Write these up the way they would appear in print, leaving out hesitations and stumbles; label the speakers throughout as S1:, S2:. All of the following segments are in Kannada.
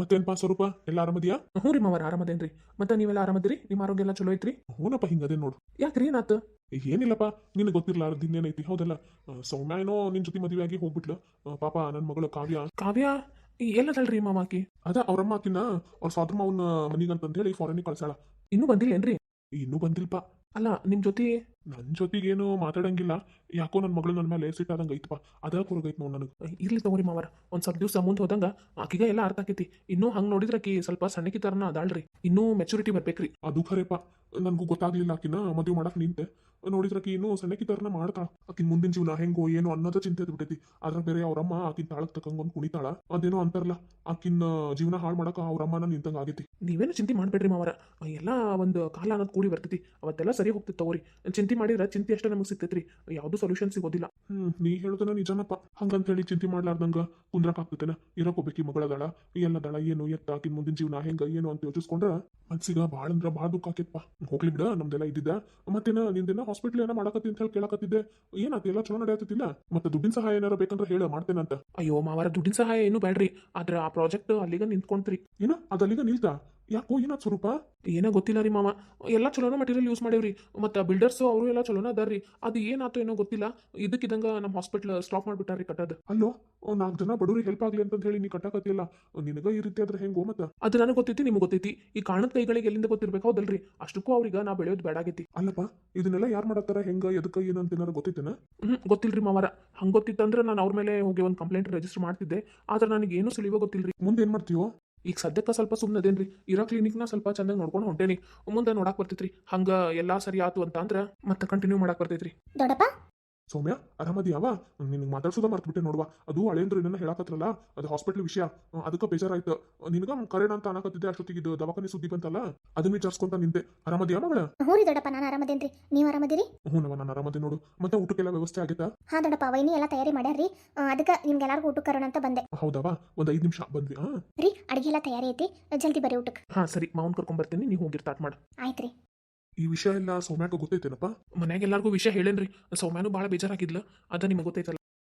S1: ಮತ್ತೇನ್ಪಾ ಸ್ವರೂಪ ಎಲ್ಲ ಆರಾಮದಿಯಾ?
S2: ಹ್ಞೂ ರೀ ಮಾವಾರ ಆರಾಮದೇನ್ರಿ. ಮತ್ತೆ ನೀವೆಲ್ಲ ಆರಾಮದಿರಿ? ನಿಮ್ಮ ಆರೋಗ್ಯ ಎಲ್ಲ ಚಲೋ ಐತ್ರಿ?
S1: ಹೂನಪ್ಪ, ಹಿಂಗದೆ ನೋಡು.
S2: ಯಾಕ್ರಿ ಏನಾತು?
S1: ಏನಿಲ್ಲಪ್ಪ, ನಿನಗೆ ಗೊತ್ತಿರ್ಲಾರ್ದು ಇನ್ನೇನೈತಿ, ಹೌದಲ್ಲ? ಸೌಮ್ಯ ಏನೋ ನಿನ್ ಜೊತೆ ಮದುವೆ ಆಗಿ ಹೋಗ್ಬಿಟ್ಲು. ಪಾಪ ನನ್ನ ಮಗಳು ಕಾವ್ಯ
S2: ಕಾವ್ಯ ಎಲ್ಲದಳ್ರಿ ಮಾಮಾಕಿ?
S1: ಅದ ಅವ್ರಮ್ಮ ಆಕಿನ ಅವ್ರ ಸೋದರ ಮಾವನ ಮನಿಗಂತಂತ ಹೇಳಿ ಫಾರಿನಿಗೆ ಕಳ್ಸಾಳ.
S2: ಇನ್ನೂ ಬಂದಿಲ್ಲೇನ್ರಿ?
S1: ಇನ್ನೂ ಬಂದಿಲ್ಪ.
S2: ಅಲ್ಲ ನಿಮ್ಮ ಜೊತೆ
S1: ನನ್ನ ಜೊತೆಗೇನು ಮಾತಾಡಂಗಿಲ್ಲ. ಯಾಕೋ ನನ್ನ ಮಗಳು ನನ್ನ ಮೇಲೆ ಸಿಟ್ಟಾದಂಗೆ ಐತಪ್ಪ. ಅದ ಕುರುಗೈತ್ ನೋಡು ನನಗೆ.
S2: ಇರ್ಲಿ ತಗೋರಿ ಮಾವಾರ, ಒಂದು ಸ್ವಲ್ಪ ದಿವಸ ಮುಂದೆ ಹೋದಂಗ ಆಕಿಗ ಎಲ್ಲ ಅರ್ಥ ಆಕೈತಿ. ಇನ್ನೂ ಹಂಗೆ ನೋಡಿದ್ರೆ ಆಕಿ ಸ್ವಲ್ಪ ಸಣ್ಣಕಿ ತರನ ಅದಾಳ್ರಿ. ಇನ್ನೂ ಮೆಚುರಿಟಿ ಬರ್ಬೇಕ್ರಿ.
S1: ಅದು ಖರೇಪ, ನನಗೂ ಗೊತ್ತಾಗ್ಲಿಲ್ಲ. ಆಕಿನ ಮದುವೆ ಮಾಡಕ್ ನಿಂತೆ, ನೋಡಿದ್ರಕಿ ಇನ್ನೂ ಸಣ್ಣಕಿ ತರನ ಮಾಡ್ತಾಳ. ಆಕಿನ ಮುಂದಿನ ಜೀವನ ಹೆಂಗೋ ಏನೋ ಅನ್ನೋದ ಚಿಂತೆ ಬಿಟ್ಟೈತಿ. ಅದ್ರ ಬೇರೆ ಅವ್ರಮ್ಮ ಆಕಿನ ತಾಳಕ್ ತಕ್ಕಂಗೊಂದು ಕುಣಿತಾಳ. ಅದೇನೋ ಅಂತಾರಲ್ಲ, ಆಕಿನ ಜೀವನ ಹಾಳು ಮಾಡಕ ಅವ್ರಮ್ಮನ ನಿಂತಂಗ ಆಗೈತಿ.
S2: ನೀವೇನು ಚಿಂತೆ ಮಾಡ್ಬೇಡ್ರಿ ಮಾವಾರ, ಎಲ್ಲ ಒಂದು ಕಾಲ ಅನ್ನೋದು ಕೂಡಿ ಬರ್ತೈತಿ. ಅವತ್ತೆಲ್ಲ ಸರಿ ಹೋಗ್ತೈತಿ ತಗೋರಿ. ಚಿಂತೆ ಮಾಡಿದ್ರೆ ಚಿಂತೆ ಅಷ್ಟೇ ನಮಗೆ ಸಿಗ್ತೈತ್ರಿ, ಯಾವುದು ಸೊಲ್ಯೂಷನ್ ಸಿಗೋದಿಲ್ಲ.
S1: ನೀ ಹೇಳುದನ ನಿಜನಪ್ಪ. ಹಂಗಂತ ಹೇಳಿ ಚಿಂತೆ ಮಾಡ್ಲಾರ್ದಂಗ ಕುಂದ್ರಕ್ ಆಗ್ತೈತೆನ? ಇರಕೋಬೇಕಿ ಮಗಳದಾಳ, ಎಲ್ಲದಾಳ, ಏನು ಎತ್ತ ಆಕಿನ ಮುಂದಿನ ಜೀವನ ಹೆಂಗ ಏನು ಅಂತ ಯೋಚಿಸ್ಕೊಂಡ್ರ ಮನ್ಸಿಗ ಭಾಳ ಅಂದ್ರ ಭಾಳ ದುಃಖ ಆಕೇತ್ಪ. ಹೋಗ್ಲಿ ಬಿಡ, ನಮ್ದೆಲ್ಲ ಇದ್ದಿದ್ದ. ಮತ್ತೇನ ನಿಂದೇನ ಹಾಸ್ಪಿಟ್ಲ್ ಏನೋ ಮಾಡಕತ್ತಿ ಅಂತ ಹೇಳಿ ಕೇಳಕತ್ತಿದ್ದೆ. ಏನಾತ? ಎಲ್ಲ ಚಲೋ ನಡೆಯತ್ತಿಲ್ಲ? ಮತ್ತೆ ದುಡ್ಡಿನ ಸಹಾಯ ಏನಾರ ಬೇಕಂದ್ರೆ ಹೇಳ, ಮಾಡ್ತೇನಂತ.
S2: ಅಯ್ಯೋ ಮಾವಾರ, ದುಡ್ಡಿನ ಸಹಾಯ ಏನು ಬೇಡ್ರಿ. ಆದ್ರೆ ಆ ಪ್ರಾಜೆಕ್ಟ್ ಅಲ್ಲಿಗ ನಿಂತ್ಕೊಂತ್ರಿ.
S1: ಏನ ಅದಲ್ಲಿಗ ನಿಲ್ತಾ? ಯಾಕೋ ಏನಾದ್ ಸ್ವರೂಪ?
S2: ಏನೋ ಗೊತ್ತಿಲ್ಲ ರೀ ಮಾಮ. ಎಲ್ಲ ಚಲೋನ ಮಟೀರಿಯಲ್ ಯೂಸ್ ಮಾಡೇವ್ರಿ. ಮತ್ತು ಬಿಲ್ಡರ್ಸು ಅವರು ಎಲ್ಲ ಚಲೋನ ಅದಾರ್ರಿ. ಅದು ಏನಾಯ್ತು ಏನೋ ಗೊತ್ತಿಲ್ಲ, ಇದಕ್ಕಿದಂಗ ನಮ್ಮ ಹಾಸ್ಪಿಟ್ಲ್ ಸ್ಟಾಪ್ ಮಾಡಿಬಿಟ್ಟಾರ್ರಿ ಕಟ್ಟೋದು.
S1: ಅಲ್ಲೋ, 4 ಜನ ಬಡವ್ರಿಗೆ ಹೆಲ್ಪ್ ಆಗ್ಲಿ ಅಂತ ಹೇಳಿ ನೀ ಕಟ್ಟಾಕತ್ತಿಲ್ಲ. ನಿನಗ ಈ ರೀತಿ ಆದ್ರೆ ಹೆಂಗೋ? ಮತ್ತ
S2: ಅದು ನನಗೆ ಗೊತ್ತೈತಿ, ನಿಮ್ಗೆ ಗೊತ್ತೈತಿ. ಈ ಕಾರಣದ ಕೈಗಳಿಗೆ ಎಲ್ಲಿಂದ ಗೊತ್ತಿರ್ಬೇಕು, ಹೌದಲ್ರಿ? ಅಷ್ಟಕ್ಕೂ ಅವ್ರಿಗೆ ನಾ ಬೆಳೆಯೋದು ಬೇಡಾಗೈತಿ.
S1: ಅಲ್ಲಪ್ಪ, ಇದನ್ನೆಲ್ಲ ಯಾರು ಮಾಡತ್ತಾರ, ಹೆಂಗ ಎದಕ್ಕ ಏನಂತ ಏನಾರ ಗೊತ್ತೈತೇನ?
S2: ಗೊತ್ತಿಲ್ರಿ ಮಾವಾರ. ಹಂಗೆ ಗೊತ್ತಿತ್ತಂದ್ರೆ ನಾನು ಅವ್ರ ಮೇಲೆ ಹೋಗಿ ಒಂದು ಕಂಪ್ಲೇಂಟ್ ರಿಜಿಸ್ಟರ್ ಮಾಡ್ತಿದ್ದೆ. ಆದ್ರೆ ನನಗೆ ಏನು ಸುಳಿವೋ ಗೊತ್ತಿಲ್ರಿ.
S1: ಮುಂದೆ ಏನ್ ಮಾಡ್ತೀವೋ?
S2: ಈಗ ಸದ್ಯಕ್ಕೆ ಸ್ವಲ್ಪ ಸುಮ್ಮನದೇನ್ರಿ. ಇರೋ ಕ್ಲಿನಿಕ್ನ ಸ್ವಲ್ಪ ಚಂದಾಗಿ ನೋಡ್ಕೊಂಡು ಹೊಂಟೇನಿ. ಮುಂದೆ ನೋಡಕ್ ಬರ್ತೈತ್ರಿ. ಹಂಗೆ ಎಲ್ಲ ಸರಿ ಆತು ಅಂತ ಅಂದ್ರೆ ಮತ್ತೆ ಕಂಟಿನ್ಯೂ ಮಾಡಕ್ ಬರ್ತೈತ್ರಿ.
S3: ದೊಡ್ಡಪ್ಪ,
S1: ಸೌಮ್ಯ, ಆರಾಮದಿಯಾವ? ನಿನಗೆ ಮಾತಾಡ್ಸೋದ ಮರ್ತ್ಬಿಟ್ಟೆ ನೋಡುವ. ಅದು ಹಳೇಂದ್ರ ಏನನ್ನ ಹೇಳಕತ್ರಲ್ಲ, ಅದು ಹಾಸ್ಪಿಟ್ಲ್ ವಿಷಯ. ಅದಕ್ಕೆ ಬೇಜಾರಾಯ್ತು. ನಿನಗ ಕರೆಣ ಅಂತ ಅನ್ನಕತ್ತಿದ್ದೆ. ಅಷ್ಟೊತ್ತಿಗೆ ಇದು ದವಾಖಾನೆ ಸುದ್ದಿ ಬಂತಲ್ಲ, ಅದನ್ನ ವಿಚಾರಿಸ್ಕೊಂತ ನಿಂತೆ. ಆರಾಮದಿಯಾ ಮಗಳ?
S3: ಹ್ಞೂ ರೀ ದೊಡ್ಡಪ್ಪ, ನಾನು ಆರಾಮದೇನ್ರಿ. ನೀವು ಆರಾಮದಿರಿ?
S1: ಹ್ಞೂನವ, ನಾನು ಆರಾಮದಿ ನೋಡು. ಮತ್ತೆ ಊಟಕ್ಕೆಲ್ಲ ವ್ಯವಸ್ಥೆ ಆಗೈತಾ?
S3: ಹಾ ದೊಡ್ಡಪ್ಪ, ವೈನಿ ಎಲ್ಲ ತಯಾರಿ ಮಾಡ್ಯಾರ್ರಿ. ಅದಕ್ಕೆ ನಿಮ್ಗೆಲ್ಲರಿಗೂ ಊಟಕ್ಕೆ ಕರೋಣ ಅಂತ ಬಂದೆ.
S1: ಹೌದವ, ಒಂದು 5 ನಿಮಿಷ ಬಂದ್ವಿ.
S3: ರೀ, ಅಡಿಗೆ ಎಲ್ಲ ತಯಾರಿ ಐತಿ, ಜಲ್ದಿ ಬರ್ರಿ ಊಟಕ್ಕೆ.
S2: ಹಾಂ ಸರಿ, ಮಾವನ್ ಕರ್ಕೊಂಬರ್ತೀನಿ, ನೀವು ಹೋಗಿ ಸ್ಟಾರ್ಟ್ ಮಾಡು.
S3: ಆಯ್ತು ರೀ.
S1: ಈ ವಿಷಯ ಎಲ್ಲ ಸೌಮ್ಯಾಗ ಗೊತ್ತೈತೇನಪ್ಪ?
S2: ಮನ್ಯಾಗ ಎಲ್ಲರಿಗೂ ವಿಷಯ ಹೇಳೇನ್ರಿ. ಸೌಮ್ಯಾನು ಭಾಳ ಬೇಜಾರಾಗಿದ್ಲ, ಅದ ನಿಮಗೆ ಗೊತ್ತೈತಲ್ಲ.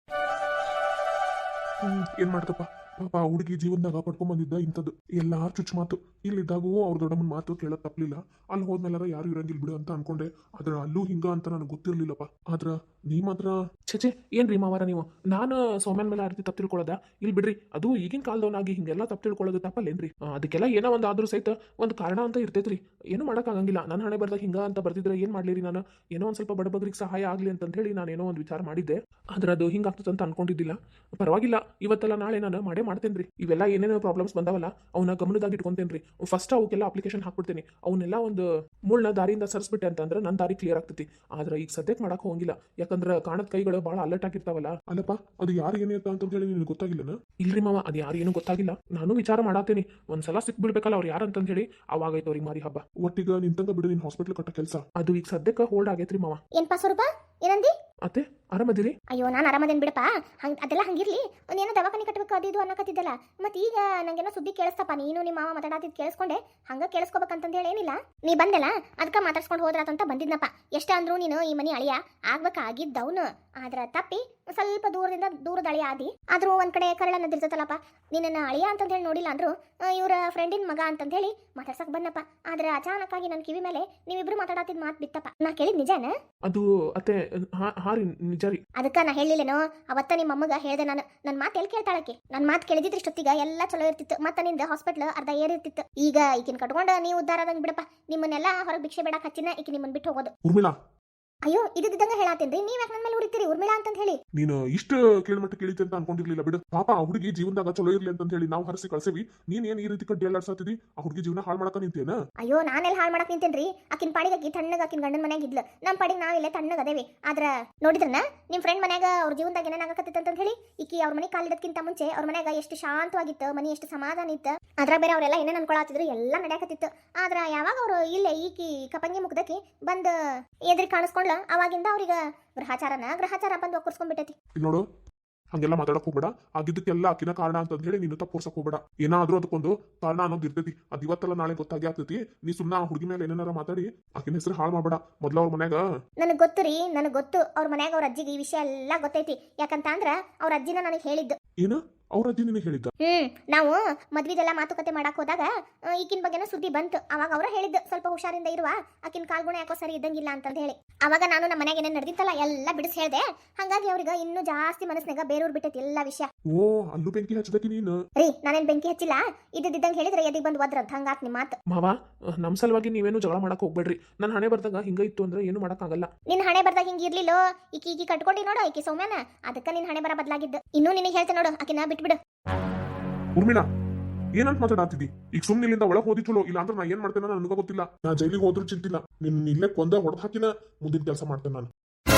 S1: ಏನ್ ಮಾಡ್ತಪ್ಪ, ಪಾಪ ಹುಡುಗಿ ಜೀವನದಾಗ ಪಡ್ಕೊಂಬಂದಿದ್ದ ಇಂಥದ್ದು ಎಲ್ಲಾರು ಚುಚ್ಚು ಮಾತು. ಇಲ್ಲಿದ್ದಾಗೂ ಅವ್ರ ದೊಡ್ಡಮ್ಮನ ಮಾತು ಕೇಳೋದ್ ತಪ್ಪಲಿಲ್ಲ. ಅಲ್ಲಿ ಹೋದ್ಮೇಲಾರ ಯಾರು ಇರಂಗಿಲ್ಲ ಬಿಡು ಅಂತ ಅನ್ಕೊಂಡೆ. ಆದ್ರೆ ಅಲ್ಲೂ ಹಿಂಗ ಅಂತ ನನಗೆ ಗೊತ್ತಿರ್ಲಿಲ್ಲಪ್ಪ. ಆದ್ರ ನೀ ಮಾತ್ರ
S2: ಛೇ ಏನ್ರಿ ಮಾವಾರ ನೀವು? ನಾನು ಸೌಮ್ಯನ ಮೇಲೆ ಆ ರೀತಿ ತಪ್ಪು ತಿಳ್ಕೊಳ್ಳೋದ? ಇಲ್ಲಿ ಬಿಡ್ರಿ, ಅದು ಈಗಿನ ಕಾಲದವನಾಗಿ ಹಿಂಗೆಲ್ಲ ತಪ್ಪು ತಿಳ್ಕೊಳ್ಳೋದು ತಪ್ಪಲ್ಲೇನ್ರಿ? ಅದಕ್ಕೆಲ್ಲ ಏನೋ ಒಂದು ಆದ್ರೂ ಸಹಿತ ಒಂದು ಕಾರಣ ಅಂತ ಇರ್ತೈತ್ರಿ. ಏನು ಮಾಡೋಕ್ಕಾಗಂಗಿಲ್ಲ. ನನ್ನ ಹಣೆ ಬರ್ದಾಗ ಹಿಂಗ ಅಂತ ಬರ್ದಿದ್ರೆ ಏನು ಮಾಡ್ಲಿರಿ ನಾನು? ಏನೋ ಒಂದು ಸ್ವಲ್ಪ ಬಡಬಗ್ರಿಗೆ ಸಹಾಯ ಆಗಲಿ ಅಂತ ಹೇಳಿ ನಾನು ಏನೋ ಒಂದು ವಿಚಾರ ಮಾಡಿದ್ದೆ. ಆದ್ರೆ ಅದು ಹಿಂಗಾಗ್ತದೆ ಅಂತ ಅನ್ಕೊಂಡಿದ್ದಿಲ್ಲ. ಪರವಾಗಿಲ್ಲ, ಇವತ್ತೆಲ್ಲ ನಾಳೆ ನಾನು ಮಾಡೇ ಮಾಡ್ತೇನ್ರಿ. ಇವೆಲ್ಲ ಏನೇನೋ ಪ್ರಾಬ್ಲಮ್ಸ್ ಬಂದಾವಲ್ಲ, ಅವನ್ನ ಗಮನದಾಗ ಇಟ್ಕೊಂತೇನ್ರಿ. ಫಸ್ಟ್ ಅವಕ್ಕೆಲ್ಲ ಅಪ್ಲಿಕೇಶನ್ ಹಾಕ್ಬಿಡ್ತೀನಿ. ಅವನ್ನೆಲ್ಲ ಒಂದು ಮುಳ್ಳ ದಾರಿಯಿಂದ ಸರಿಸ್ಬಿಟ್ಟೆ ಅಂತಂದ್ರೆ ನನ್ನ ದಾರಿ ಕ್ಲಿಯರ್ ಆಗ್ತೈತಿ. ಆದ್ರೆ ಈಗ ಸದ್ಯಕ್ಕೆ ಮಾಡಕ್ಕೆ ಹೋಗಿಲ್ಲ, ಯಾಕಂದ್ರೆ ಕಾಣದ ಕೈಗಳು ಭಾಳ ಅಲರ್ಟ್ ಆಗಿರ್ತಾವಲ್ಲ.
S1: ಅಲ್ಲಪ್ಪ, ಅದು ಯಾರು ಏನಿರ್ತ ಅಂತ ಹೇಳಿ ನಿನಗೆ ಗೊತ್ತಾಗಿಲ್ಲನ?
S2: ಇಲ್ರಿ ಮಾವ, ಅದು ಯಾರು ಏನೂ ಗೊತ್ತಾಗಿಲ್ಲ. ನಾನು ವಿಚಾರ ಮಾಡಾತೀನಿ. ಒಂದ್ಸಲ ಸಿಕ್ಬಿಡ್ಬೇಕಲ್ಲ ಅವ್ರು ಯಾರು ಅಂತಂದು ಹೇಳಿ. ಅವಾಗೈತೆ ಅವ್ರಿಗೆ ಮಾರಿ ಹಬ್ಬ.
S1: ಒಟ್ಟಿಗ ನಿಂತಂಗ ಬಿಡು, ನಿನ್ ಹಾಸ್ಪಿಟ್ಲ್ ಕಟ್ಟ ಕೆಲಸ.
S2: ಅದು ಈಗ ಸದ್ಯಕ್ಕೆ ಹೋಲ್ಡ್ ಆಗೈತ್ರಿ ಮಾವ.
S3: ಏನ್ಪಾ ಸ್ವರೂಪ, ಏನಂದಿ?
S2: ಅತ್ತೆ ಆರಾಮದಿರಿ?
S3: ಅಯ್ಯೋ, ನಾನು ಆರಾಮದೇನ್ ಬಿಡಪ್ಪ. ಅದೆಲ್ಲ ಹಂಗಿರ್ಲಿ. ಒಂದೇನೋ ದವಾಖಾನೆ ಕಟ್ಟಬೇಕು ಅದು ಇದು ಅನ್ನಕತ್ತಿದ್ದಲ್ಲ. ಮತ್ತೆ ಈಗ ನಂಗೇನೋ ಸುದ್ದಿ ಕೇಳಿಸ್ತಪ್ಪ. ನೀನು ನಿಮ್ಮ ಮಾವ ಮಾತಾಡತ್ತಿದ್ ಕೇಳಿಸ್ಕೊಂಡೆ. ಹಂಗ ಕೇಳಿಸ್ಕೋಬೇಕಂತಂದು ಹೇಳಿ ಏನಿಲ್ಲ. ನೀ ಬಂದೆಲ್ಲ, ಅದಕ್ಕೆ ಮಾತಾಡ್ಸ್ಕೊಂಡು ಹೋದ್ರಾತಂತ ಬಂದಿದ್ನಪ್ಪ. ಎಷ್ಟ ಅಂದ್ರು ನೀನು ಈ ಮನಿ ಅಳಿಯ ಆಗ್ಬೇಕಾಗಿದ್ದವನು. ಆದ್ರ ತಪ್ಪಿ ಸ್ವಲ್ಪ ದೂರದ ಅಳಿಯ ಆದಿ. ಆದ್ರೂ ಒಂದ್ ಕಡೆ ಕರಳ ನದಿರ್ತೈತಲ್ಲಪ್ಪ. ನಿನ್ನ ಅಳಿಯ ಅಂತಂದು ಹೇಳಿ ನೋಡಿಲ್ಲ ಅಂದ್ರು ಇವರ ಫ್ರೆಂಡಿನ ಮಗ ಅಂತಂದು ಹೇಳಿ ಮಾತಾಡ್ಸಕ್ ಬಂದಪ್ಪ. ಆದ್ರೆ ಅಚಾನಕ್ ಆಗಿ ನನ್ನ ಕಿವಿ ಮೇಲೆ ನೀವಿಬ್ರು ಮಾತಾಡತ್ತಿದ್ ಮಾತು ಬಿತ್ತಪ್ಪ. ನಾ ಕೇಳಿದ್ ನಿಜಾನ?
S2: ಅದು ಅತ್ತೆ ಹಾ ರೀ, ನಿಜ ರೀ.
S3: ಅದಕ್ಕ ನಾ ಹೇಳಿಲ್ಲೇನೋ ಅವತ್ತ ನಿಮ್ಮ ಅಮ್ಮಗ ಹೇಳ್ದೆ ನಾನು. ನನ್ನ ಮಾತು ಎಲ್ಲಿ ಕೇಳ್ತಾಳಕ್ಕೆ? ನನ್ನ ಮಾತು ಕೇಳಿದಿದ್ರೆ ಇಷ್ಟೊತ್ತಿಗ ಎಲ್ಲ ಚಲೋ ಇರ್ತಿತ್ತು. ಮತ್ತೆ ನಿಂದ ಹಾಸ್ಪಿಟ್ಲ್ ಅರ್ಧ ಏರಿರ್ತಿತ್ತು. ಈಗ ಈಕಿನ ಕಟ್ಕೊಂಡು ನೀವು ಉದ್ದಾರ ಆದಂಗೆ ಬಿಡಪ್ಪ. ನಿಮ್ಮನ್ನೆಲ್ಲ ಹೊರಗೆ ಭಿಕ್ಷೆ ಬೇಡಕ್ಕೆ ಹಚ್ಚಿನ ಈಕಿ ನಿಮ್ಮನ್ನ ಬಿಟ್ಟು ಹೋಗೋದು.
S1: ಉರ್ಮಿಳಾ,
S3: ಅಯ್ಯೋ, ಇದ್ದಂಗೆ ಹೇಳಾತೇನ್ರಿ. ನೀವ್ ಯಾಕೆ ನನ್ನ ಮೇಲೆ ಹುಡುಕ್ತೀರಿ ಉರ್ಮಿಳಾ ಅಂತ ಹೇಳಿ?
S1: ನೀನು ಇಷ್ಟು ಕೇಳ್ಮಟ್ಟ ಕೇಳಿತಿ ಅಂತ ಅನ್ಕೊಂಡಿರ್ಲಿಲ್ಲ ಬಿಡು. ಪಾಪ ಆ ಹುಡುಗಿ ಜೀವನದಾಗ ಚಲೋ ಇರ್ಲಿ ಅಂತ ಹೇಳಿ ನಾವು ಹರಿಸಿ ಕಳ್ಸೇವಿ. ನೀನ್ ಏನ್ ಈ ರೀತಿ ಕಡ್ಡಿ ಅಲ್ಲಾಡ್ಸತ್ತಿದಿ? ಆ ಹುಡುಗಿ ಜೀವನ ಹಾಳು ಮಾಡಕ ನಿಂತೇನ?
S3: ಅಯ್ಯೋ, ನಾನೆಲ್ಲ ಹಾಳು ಮಾಡಕ್ ನಿಂತೇನ್ರಿ. ಆಕಿನ ಪಾಡಿಗೆ ಆಕಿ ತಣ್ಣಗ ಆಕಿನ ಗಂಡನ ಮನ್ಯಾಗ ಇದ್ಲು. ನಮ್ಮ ಪಾಡಿಗೆ ನಾವಿಲ್ಲೇ ತಣ್ಣಗ ಅದೇವಿ. ಆದ್ರ ನೋಡಿದ್ರನ ನಿಮ್ ಫ್ರೆಂಡ್ ಮನ್ಯಾಗ ಅವ್ರ ಜೀವನದಾಗ ಏನಾಗಕತ್ತಿತ್ತು ಅಂತ ಹೇಳಿ. ಈಕಿ ಅವ್ರ ಮನೆ ಕಾಲಿಡೋದಕ್ಕಿಂತ ಮುಂಚೆ ಅವ್ರ ಮನ್ಯಾಗ ಎಷ್ಟು ಶಾಂತವಾಗಿತ್ತು, ಮನಿ ಎಷ್ಟು ಸಮಾಧಾನ ಇತ್ತು. ಅದ್ರ ಬೇರೆ ಅವರೆಲ್ಲ ಏನೇನು ಅನ್ಕೊಳತ್ತಿದ್ರು, ಎಲ್ಲ ನಡೆಯಕತ್ತಿತ್ತು. ಆದ್ರ ಯಾವಾಗ ಅವರು ಇಲ್ಲೇ ಈಕಿ ಕಪಂಗಿ ಮುಗ್ದಕಿ ಬಂದ್ ಎದ್ರಿ ಕಾಣಿಸ್ಕೊಂಡ್ಲ, ಅವಾಗಿಂದ ಅವ್ರಿಗೆ ಗ್ರಹಚಾರ ಬಂದು ಒಕ್ಕರ್ಸ್ಕೊಂಡ್ಬಿಟ್ಟೈತಿ.
S1: ನೋಡು, ಹಂಗೆಲ್ಲ ಮಾತಾಡಕ್ ಹೋಗ್ಬೇಡ. ಆಗಿದ್ದಕ್ಕೆಲ್ಲ ಆಕಿನ ಕಾರಣ ಅಂತ ಹೇಳಿ ನೀನು ತಪ್ಪೋರ್ಸಕ್ ಹೋಗ್ಬೇಡ. ಏನಾದ್ರೂ ಅದಕ್ಕೊಂದು ಕಾರಣ ಅನ್ನೋದು ಇರ್ತೈತಿ. ಅದು ಇವತ್ತಲ್ಲ ನಾಳೆ ಗೊತ್ತಾಗಿ ಆಗ್ತೈತಿ. ನೀ ಸುಮ್ಮನೆ ಆ ಹುಡುಗಿ ಮೇಲೆ ಏನಾರ ಮಾತಾಡಿ ಆಕಿನ ಹೆಸರು ಹಾಳು ಮಾಡ್ಬೇಡ. ಮೊದ್ಲ ಅವ್ರ ಮನ್ಯಾಗ
S3: ನನಗೆ ಗೊತ್ತು ರೀ, ನನಗೆ ಗೊತ್ತು. ಅವ್ರ ಮನ್ಯಾಗ ಅವ್ರ ಅಜ್ಜಿಗೆ ಈ ವಿಷಯ ಎಲ್ಲ ಗೊತ್ತೈತಿ. ಯಾಕಂತ ಅಂದ್ರ ಅವ್ರ ಅಜ್ಜಿನ ನನಗೆ ಹೇಳಿದ್ದು.
S1: ಏನು ಅವ್ರ ಅಜ್ಜಿ ನಿನಗೆ ಹೇಳಿದ್ದ?
S3: ನಾವು ಮದ್ವಿದೆಲ್ಲ ಮಾತುಕತೆ ಮಾಡಕ್ ಹೋದಾಗ ಈಕಿನ ಬಗ್ಗೆನ ಸುದ್ದಿ ಬಂತು. ಅವಾಗ ಅವ್ರ ಹೇಳಿದ್ದು ಸ್ವಲ್ಪ ಹುಷಾರಿಂದ ಇರುವ, ಆಕಿನ ಕಾಲ್ಗುಣ ಯಾಕೋ ಸರಿ ಇದ್ದಂಗಿಲ್ಲ ಅಂತ ಹೇಳಿ. ಅವಾಗ ನಾನು ನಮ್ಮ ಮನೆಗೆ ಏನೇನು ನಡೆದಿತ್ತಲ್ಲ ಎಲ್ಲ ಬಿಡಿಸಿ ಹೇಳ್ದೆ. ಹಂಗಾಗಿ ಅವ್ರಿಗೆ ಇನ್ನೂ ಜಾಸ್ತಿ ಮನಸ್ಸಿನಾಗ ಬೇರೂರ್ ಬಿಟ್ಟೈತಿ ಎಲ್ಲ ವಿಷಯ.
S1: ಓ, ಅಲ್ಲೂ ಬೆಂಕಿ ಹಚ್ಚದಕ್ಕೆ ನೀನು?
S3: ರೀ, ನಾನೇನ್ ಬೆಂಕಿ ಹಚ್ಚಿಲ್ಲ. ಇದ್ದಿದ್ದಂಗೆ ಹೇಳಿದ್ರೆ ಎದಿಗೆ ಬಂದು ಒದ್ರದ್ ಹಂಗಾತ್ ನಿಮ್ಮ ಮಾತು.
S2: ಮಾವ, ನಮ್ಮ ಸಲುವಾಗಿ ನೀವೇನು ಜಗಳ ಮಾಡಕ್ ಹೋಗ್ಬೇಡ್ರಿ. ನನ್ನ ಹಣೆ ಬರ್ದಾಗ ಹಿಂಗ ಇತ್ತು ಅಂದ್ರೆ ಏನು ಮಾಡಕ್ಕಾಗಲ್ಲ.
S3: ನಿನ್ ಹಣೆ ಬರ್ದಾಗ ಹಿಂಗ ಇರ್ಲಿಲ್ಲೋ. ಈಕಿ ಕಟ್ಕೊಂಡಿ ನೋಡು, ಈಕಿ ಸೌಮ್ಯನ, ಅದಕ್ಕ ನಿನ್ ಹಣೆ ಬರ ಬದಲಾಗಿದ್ದು. ಇನ್ನೂ ನಿನಗೆ ಹೇಳ್ತೆ ನೋಡು, ಆಕಿನ ಬಿಟ್ಬಿಡು.
S1: ಉರ್ಮಿಳಾ, ಏನಂತ ಮಾತಾಡತ್ತಿದ್ದಿ? ಈಗ ಸುಮ್ಮನೆ ಇಲ್ಲಿಂದ ಒಳಗೆ ಹೋದಿ ಚಲೋ, ಇಲ್ಲ ಅಂದ್ರೆ ನಾ ಏನ್ ಮಾಡ್ತೇನೆ ನನಗ ಗೊತ್ತಿಲ್ಲ. ನಾ ಜೈಲಿಗೆ ಹೋದ್ರೂ ಚಿಂತಿಲ್ಲ, ನಿನ್ ಇಲ್ಲೇ ಕೊಂದ ಹೊಡೆದ್ ಹಾಕಿನ ಮುಂದಿನ ಕೆಲಸ ಮಾಡ್ತೇನೆ ನಾನು.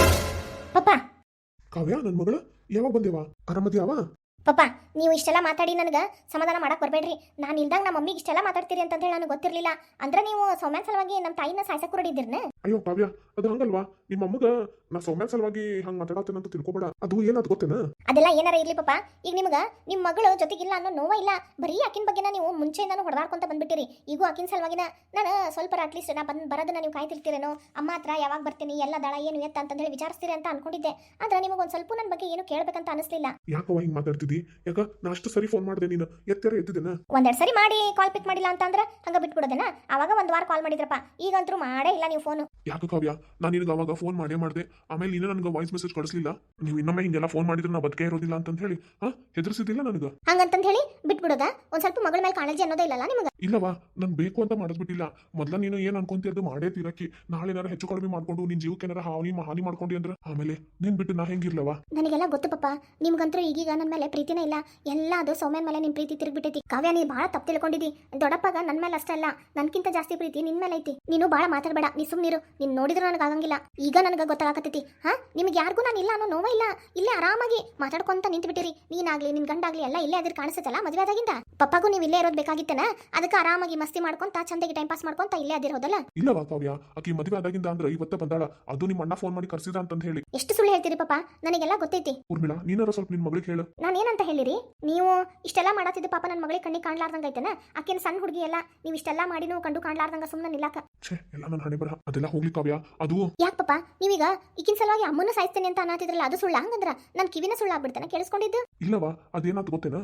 S3: ಪಪ್ಪ,
S1: ಕಾವ್ಯ, ನನ್ ಮಗಳ ಯಾವಾಗ ಬಂದೇವಾ? ಆರಾಮದಿಯಾವ?
S3: ಪಪ್ಪ, ನೀವು ಇಷ್ಟೆಲ್ಲ ಮಾತಾಡಿ ನನಗೆ ಸಮಾಧಾನ ಮಾಡಕ್ ಬರ್ಬೇಡ್ರಿ. ನಾನು ಇಲ್ದಾಗ ನಮ್ಮ ಮಮ್ಮಿಗೆ ಇಷ್ಟೆಲ್ಲ ಮಾತಾಡ್ತೀರಿ ಅಂತ ಹೇಳಿ ನನಗೆ ಗೊತ್ತಿರಲಿಲ್ಲ. ಅಂದ್ರೆ ನೀವು ಸೌಮ್ಯನ ಸಲುವಾಗಿ ನಮ್ಮ ತಾಯಿನ ಸಾಯ್ಸಕ್ ಹೊರಡಿದ್ದೀರ್ನ?
S1: ಅಯ್ಯೋ ಕಾವ್ಯ, ಅದು ಹಂಗಲ್ವಾ? ನಿಮ್ಮ ಅಮ್ಮಗ ನಾ ಸೌಮ್ಯ ಸಲುವಾಗಿ ಹಂಗ ಮಾತಾಡತ್ತೇನೆ ಅಂತ ತಿಳ್ಕೊಬೇಡ. ಅದು ಏನಾದ್ ಗೊತ್ತೇನ?
S3: ಅದೆಲ್ಲ ಏನಾರ ಇರ್ಲಿ ಪಪ್ಪ, ಈಗ ನಿಮ್ಗೆ ನಿಮ್ಮ ಮಗಳು ಜೊತೆಗಿಲ್ಲ ಅನ್ನೋ ನೋವ ಇಲ್ಲ. ಬರೀ ಆಕಿನ ಬಗ್ಗೆನ ನೀವು ಮುಂಚೆಯಿಂದಾನು ಹೊಡೆದಾಡ್ಕೊಂತ ಬಂದ್ಬಿಟ್ಟಿರಿ. ಈಗೂ ಆಕಿನ ಸಲುವಾಗಿನ ನಾನು ಸ್ವಲ್ಪ ಅಟ್ಲೀಸ್ಟ್ ನಾ ಬರೋದನ್ನ ನೀವು ಕಾಯ್ತಿರ್ತೀರೇನೋ. ಅಮ್ಮ ಹತ್ರ ಯಾವಾಗ ಬರ್ತೀನಿ, ಎಲ್ಲ ದಳ ಏನು ಎತ್ತ ಅಂತ ಹೇಳಿ ವಿಚಾರಿಸ್ತೀರಿ ಅಂತ ಅನ್ಕೊಂಡಿದ್ದೆ. ಆದ್ರೆ ನಿಮಗೆ ಒಂದು ಸ್ವಲ್ಪ ನನ್ನ ಬಗ್ಗೆ ಏನು ಕೇಳಬೇಕಂತ ಅನಿಸ್ಲಿಲ್ಲ.
S1: ಯಾಕವ ಹಿಂಗ್ ಮಾತಾಡ್ತಿದ್ದಿ? ಯಾಕ ನಾ ಅಷ್ಟು ಸರಿ ಫೋನ್ ಮಾಡಿದೆ, ನೀನು ಎತ್ತರ ಎತ್ತಿದ್ದೇನ?
S3: ಒಂದೆರಡು ಸರಿ ಮಾಡಿ ಕಾಲ್ ಪಿಕ್ ಮಾಡಿಲ್ಲ ಅಂತಂದ್ರೆ ಹಂಗ ಬಿಟ್ಬಿಡೋದನ. ಅವಾಗ ಒಂದು ವಾರ ಕಾಲ್ ಮಾಡಿದ್ರಪ್ಪ, ಈಗಂತರೂ ಮಾಡೇ ಇಲ್ಲ ನೀವು ಫೋನು.
S1: ಯಾಕ ಕಾವ್ಯ, ನಾನು ನಿನಗೆ ಅವಾಗ ಫೋನ್ ಮಾಡೇ ಮಾಡಿದೆ, ಆಮೇಲೆ ನೀನು ನನಗೆ ವಾಯ್ಸ್ ಮೆಸೇಜ್ ಕಳಿಸ್ಲಿಲ್ಲ. ನೀವು ಇನ್ನೊಮ್ಮೆ ಹಿಂಗೆಲ್ಲ ಫೋನ್ ಮಾಡಿದ್ರೆ ನಾ ಬದುಕೇ ಇರೋದಿಲ್ಲ ಅಂತ ಹೇಳಿ ಹೆದರ್ಸಿದ್ದಿಲ್ಲ ನನಗೆ.
S3: ಹಂಗಂತ ಹೇಳಿ ಬಿಟ್ಬಿಡೋದ? ಒಂದ್ ಸ್ವಲ್ಪ ಮಗಳ ಮೇಲೆ ಕಾಳಜಿ ಅನ್ನೋದೇ ಇಲ್ಲಲ್ಲ ನಿಮಗೆ?
S1: ಇಲ್ಲವಾ, ನಾನು ಬೇಕು ಅಂತ ಮಾಡಿಸ್ಬಿಟ್ಟಿಲ್ಲ. ಮೊದ್ಲ ನೀನು ಏನ್ ಅನ್ಕೊಂತಿ ಮಾಡೇ ತೀರಕ್ಕಿ. ನಾಳೆ ಏನಾರ ಹೆಚ್ಚು ಕಡಿಮೆ ಮಾಡ್ಕೊಂಡು ನಿನ್ ಜೀವಕ್ಕೆ ಏನಾರ ಹಾನಿ ಮಾಡ್ಕೊಂಡಿ ಅಂದ್ರೆ ಆಮೇಲೆ ನೀನ್ ಬಿಟ್ಟು ನಾ ಹೆಂಗಿರ್ಲವಾ?
S3: ನನಗೆಲ್ಲ ಗೊತ್ತು ಪಪ್ಪ, ನಿಮ್ಗಂತೂ ಈಗೀಗ ನನ್ನ ಮೇಲೆ ಪ್ರೀತಿನೇ ಇಲ್ಲ. ಎಲ್ಲ ಅದು ಸೌಮ್ಯನ ಮೇಲೆ ನಿಮ್ ಪ್ರೀತಿ ತಿರುಗ್ಬಿಟ್ಟೈತಿ. ಕಾವ್ಯ, ನೀ ಭಾಳ ತಪ್ಪು ತಿಳ್ಕೊಂಡಿದ್ದಿ. ದೊಡ್ಡಪ್ಪಗ ನನ್ನ ಮೇಲೆ ಅಷ್ಟೇ ಅಲ್ಲ, ನನ್ಕಿಂತ ಜಾಸ್ತಿ ಪ್ರೀತಿ ನಿನ್ ಮೇಲೆ ಐತಿ. ನೀನು ಭಾಳ ಮಾತಾಡಬೇಡ, ನೀ ಸುಮ್ಮನಿರು. ನೀನ್ ನೋಡಿದ್ರು ನನಗೆ ಆಗಂಗಿಲ್ಲ. ಈಗ ನನಗೆ ಗೊತ್ತಾಗತೈತಿ. ನಿಮ್ಗೆ ಯಾರಿಗೂ ನಾನು ಇಲ್ಲ ಅನ್ನೋ ನೋವ ಇಲ್ಲ. ಇಲ್ಲೇ ಆರಾಮಾಗಿ ಮಾತಾಡ್ಕೊಂತ ನಿಂತು ಬಿಟ್ಟಿರಿ. ನೀನಾಗ್ಲಿ ನಿನ್ ಗಂಡಾಗ್ಲಿ ಎಲ್ಲ ಇಲ್ಲೇ ಅದ್ರ ಕಾಣಿಸ್ತಲ್ಲ ಮದುವೆ ಆದಾಗಿಂದ. ಪಪ್ಪಾಗೂ ನೀವು ಇಲ್ಲೇ ಇರೋದು ಬೇಕಾಗಿತ್ತನ, ಅದಕ್ಕೆ ಆರಾಮಾಗಿ ಮಸ್ತಿ ಮಾಡ್ಕೊಂತ ಚಂದಾಗಿ ಟೈಮ್ ಪಾಸ್ ಮಾಡ್ಕೊಂತ ಇಲ್ಲೇ ಅದಿರೋದಲ್ಲ.
S1: ಇಲ್ಲವಾ ಕಾವ್ಯ, ಆಕಿ ಮದುವೆ ಆದಾಗಿಂದ ಅಂದ್ರೆ ಇವತ್ತ ಬಂದಾಳ. ಅದು ನಿಮ್ಮ ಅಣ್ಣ ಫೋನ್ ಮಾಡಿ ಕರ್ಸಿದ ಅಂತ ಹೇಳಿ.
S3: ಎಷ್ಟು ಸುಳ್ಳು ಹೇಳ್ತೀರಿ ಪಪ್ಪ, ನನಗೆಲ್ಲ ಗೊತ್ತೈತಿ.
S1: ಊರ್ಮಿಳಾ, ನೀನಾರ ಸ್ವಲ್ಪ ನಿನ್ ಮಗಳಿಗೆ ಹೇಳು.
S3: ನಾನು ಏನಂತ ಹೇಳಿರಿ? ನೀವು ಇಷ್ಟೆಲ್ಲ ಮಾಡತ್ತಿದ್ದು ಪಾಪ ನನ್ನ ಮಗಳಿಗೆ ಕಣ್ಣಿಗೆ ಕಾಣ್ಲಾರ್ದಂಗ ಐತನ? ಆಕೆನ ಸಣ್ಣ ಹುಡುಗಿ ಎಲ್ಲ, ನೀವು ಇಷ್ಟೆಲ್ಲ ಮಾಡಿನೂ ಕಂಡು ಕಾಣ್ಲಾರ್ದಂಗ ಸುಮ್ಮನೆ ನಿಲ್ಲಾಕ.
S1: ಎಲ್ಲ ನನ್ನ ಹಣೆ ಬರಹ. ಅದೆಲ್ಲ ಹೋಗ್ಲಿ ಕಾವ್ಯ, ಅದು
S3: ಯಾಕೆ ಪಪ್ಪ ನೀವೀಗ ಈಕಿನ ಸಲುವಾಗಿ ಅಮ್ಮನ ಸಾಯಿಸ್ತೇನೆ ಅಂತ ಅನ್ನತ್ತಿದ್ರಲ್ಲ, ಅದು ಸುಳ್ಳ? ಹಂಗಂದ್ರ ನನ್ನ ಕಿವಿನ ಸುಳ್ಳು ಆಗ್ಬಿಡ್ತಾನೆ ಕೇಳಿಸ್ಕೊಂಡಿದ್ದು?
S1: ಇಲ್ಲವಾ, ಅದೇನಾದ್ ಗೊತ್ತೇನ?